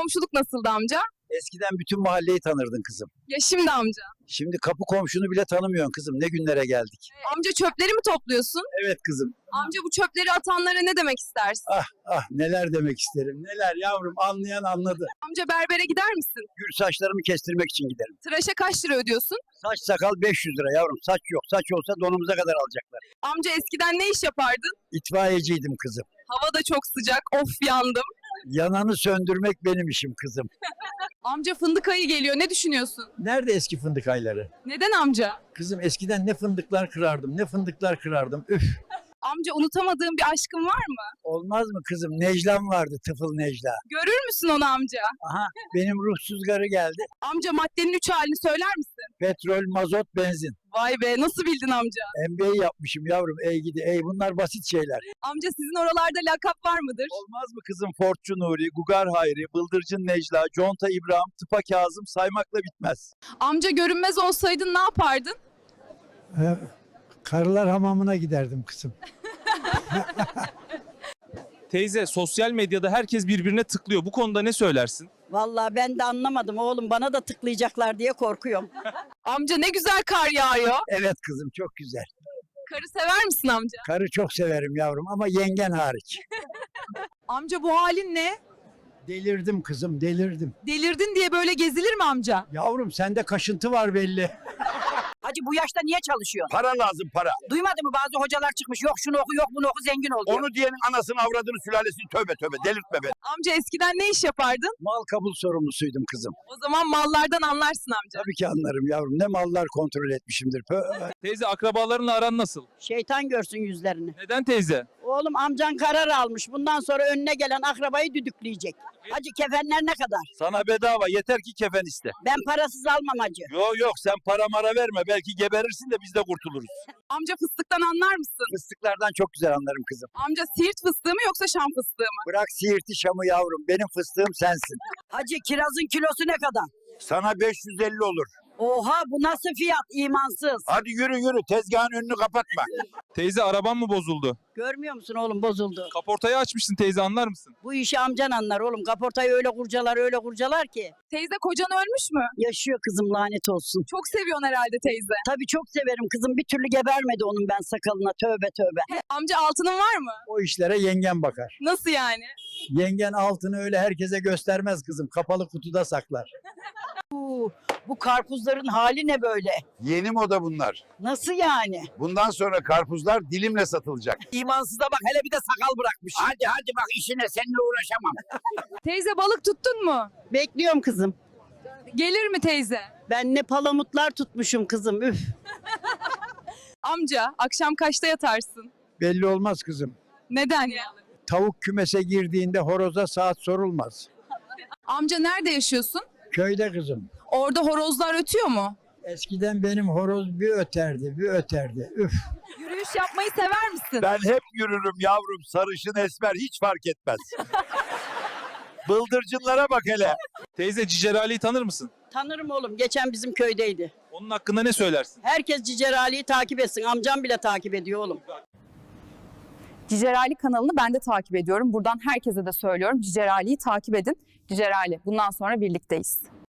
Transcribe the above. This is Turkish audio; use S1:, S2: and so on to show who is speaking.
S1: komşuluk nasıldı amca?
S2: Eskiden bütün mahalleyi tanırdın kızım.
S1: Ya şimdi amca?
S2: Şimdi kapı komşunu bile tanımıyorsun kızım. Ne günlere geldik.
S1: Amca çöpleri mi topluyorsun?
S2: Evet kızım.
S1: Amca bu çöpleri atanlara ne demek istersin?
S2: Ah neler demek isterim. Neler yavrum, anlayan anladı.
S1: Amca berbere gider misin?
S2: Gül saçlarımı kestirmek için giderim.
S1: Tıraşa kaç lira ödüyorsun?
S2: Saç sakal 500 lira yavrum. Saç yok. Saç olsa donumuza kadar alacaklar.
S1: Amca eskiden ne iş yapardın?
S2: İtfaiyeciydim kızım.
S1: Hava da çok sıcak. Of yandım.
S2: Yananı söndürmek benim işim kızım.
S1: Amca fındık ayı geliyor. Ne düşünüyorsun?
S2: Nerede eski fındık ayları?
S1: Neden amca?
S2: Kızım eskiden ne fındıklar kırardım, ne fındıklar kırardım. Üf.
S1: Amca unutamadığın bir aşkın var mı?
S2: Olmaz mı kızım? Necla'm vardı, tıfıl Necla.
S1: Görür müsün onu amca?
S2: Aha, benim ruhsuz garı geldi.
S1: Amca maddenin 3 halini söyler misin?
S2: Petrol, mazot, benzin.
S1: Vay be nasıl bildin amca?
S2: MBA yapmışım yavrum. Ey gidi ey, bunlar basit şeyler.
S1: Amca sizin oralarda lakap var mıdır?
S2: Olmaz mı kızım? Fortçu Nuri, Gugar Hayri, Bıldırcın Necla, Conta İbrahim, Tıpa Kazım saymakla bitmez.
S1: Amca görünmez olsaydın ne yapardın?
S3: Karılar hamamına giderdim kızım.
S4: Teyze, sosyal medyada herkes birbirine tıklıyor. Bu konuda ne söylersin?
S5: Vallahi ben de anlamadım oğlum. Bana da tıklayacaklar diye korkuyorum.
S1: Amca ne güzel kar yağıyor.
S2: Evet kızım, çok güzel.
S1: Karı sever misin amca?
S2: Karı çok severim yavrum ama yengen hariç.
S6: Amca bu halin ne?
S2: Delirdim kızım, delirdim.
S6: Delirdin diye böyle gezilir mi amca?
S2: Yavrum sende kaşıntı var belli.
S5: Hacı bu yaşta niye çalışıyorsun?
S7: Para lazım para.
S5: Duymadın mı bazı hocalar çıkmış. Yok şunu oku yok bunu oku zengin ol diyor.
S7: Onu diyenin anasını avradını sülalesini tövbe tövbe delirtme beni.
S1: Amca eskiden ne iş yapardın?
S2: Mal kabul sorumlusuydum kızım.
S1: O zaman mallardan anlarsın amca.
S2: Tabii ki anlarım yavrum. Ne mallar kontrol etmişimdir.
S4: Teyze, akrabalarınla aran nasıl?
S5: Şeytan görsün yüzlerini.
S4: Neden teyze?
S5: Oğlum amcan karar almış. Bundan sonra önüne gelen akrabayı düdükleyecek. Hacı kefenler ne kadar?
S7: Sana bedava yeter ki kefen iste.
S5: Ben parasız almam hacı.
S7: Yok sen para mara verme belki geberirsin de biz de kurtuluruz.
S1: Amca fıstıktan anlar mısın?
S2: Fıstıklardan çok güzel anlarım kızım.
S1: Amca Siirt fıstığı mı yoksa Şam fıstığı mı?
S2: Bırak Siirt'i Şam'ı yavrum. Benim fıstığım sensin.
S5: Hacı kirazın kilosu ne kadar?
S7: Sana 550 olur.
S5: Oha bu nasıl fiyat imansız.
S7: Hadi yürü tezgahın önünü kapatma.
S4: Teyze, araban mı bozuldu?
S5: Görmüyor musun oğlum bozuldu.
S4: Kaportayı açmışsın teyze, anlar mısın?
S5: Bu işi amcan anlar oğlum. Kaportayı öyle kurcalar ki.
S1: Teyze kocan ölmüş mü?
S5: Yaşıyor kızım lanet olsun.
S1: Çok seviyorsun herhalde teyze.
S5: Tabii çok severim kızım. Bir türlü gebermedi onun ben sakalına. Tövbe tövbe.
S1: Amca altının var mı?
S2: O işlere yengen bakar.
S1: Nasıl yani?
S2: Yengen altını öyle herkese göstermez kızım. Kapalı kutuda saklar.
S5: Bu karpuzların hali ne böyle?
S7: Yeni moda bunlar.
S5: Nasıl yani?
S7: Bundan sonra karpuzlar dilimle satılacak.
S5: İmansıza bak hele bir de sakal bırakmış.
S7: Hadi bak işine seninle uğraşamam.
S6: Teyze balık tuttun mu?
S5: Bekliyorum kızım.
S6: Gelir mi teyze?
S5: Ben ne palamutlar tutmuşum kızım üf.
S1: Amca akşam kaçta yatarsın?
S2: Belli olmaz kızım.
S1: Neden ya?
S2: Tavuk kümese girdiğinde horoza saat sorulmaz.
S1: Amca nerede yaşıyorsun?
S2: Köyde kızım.
S1: Orada horozlar ötüyor mu?
S2: Eskiden benim horoz bir öterdi, bir öterdi. Üf.
S1: Yürüyüş yapmayı sever misin?
S7: Ben hep yürürüm yavrum sarışın esmer hiç fark etmez. Bıldırcınlara bak hele.
S4: Teyze, Cicer Ali'yi tanır mısın?
S5: Tanırım oğlum geçen bizim köydeydi.
S4: Onun hakkında ne söylersin?
S5: Herkes Cicer Ali'yi takip etsin. Amcam bile takip ediyor oğlum.
S8: Cicer Ali kanalını ben de takip ediyorum. Buradan herkese de söylüyorum. Cicer Ali'yi takip edin. Cicer Ali, bundan sonra birlikteyiz.